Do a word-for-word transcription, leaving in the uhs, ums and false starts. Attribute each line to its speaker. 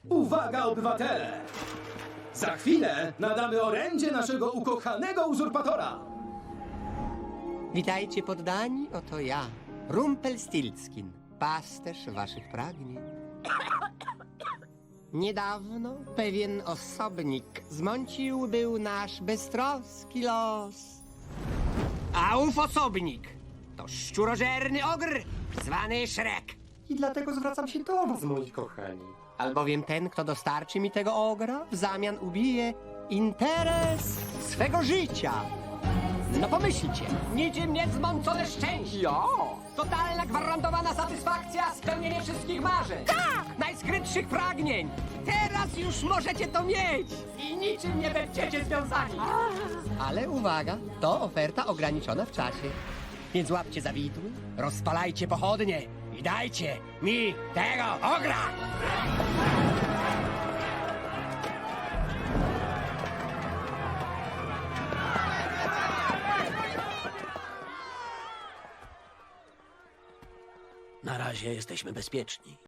Speaker 1: Uwaga, obywatele! Za chwilę nadamy orędzie naszego ukochanego uzurpatora!
Speaker 2: Witajcie poddani, oto ja, Rumpelstiltskin, pasterz waszych pragnień. Niedawno pewien osobnik zmącił był nasz beztroski los. A ów osobnik to szczurożerny ogr zwany Szrek. I dlatego zwracam się do was, moi kochani. Albowiem ten, kto dostarczy mi tego ogra, w zamian ubije interes swego życia. No pomyślcie, niczym niezmącone szczęście. Jo! Totalna gwarantowana satysfakcja, spełnienie wszystkich marzeń. Tak! Najskrytszych pragnień. Teraz już możecie to mieć i niczym nie będziecie związani. Ale uwaga, to oferta ograniczona w czasie. Więc łapcie za widły, rozpalajcie pochodnie i dajcie mi tego ogra!
Speaker 3: Na razie jesteśmy bezpieczni.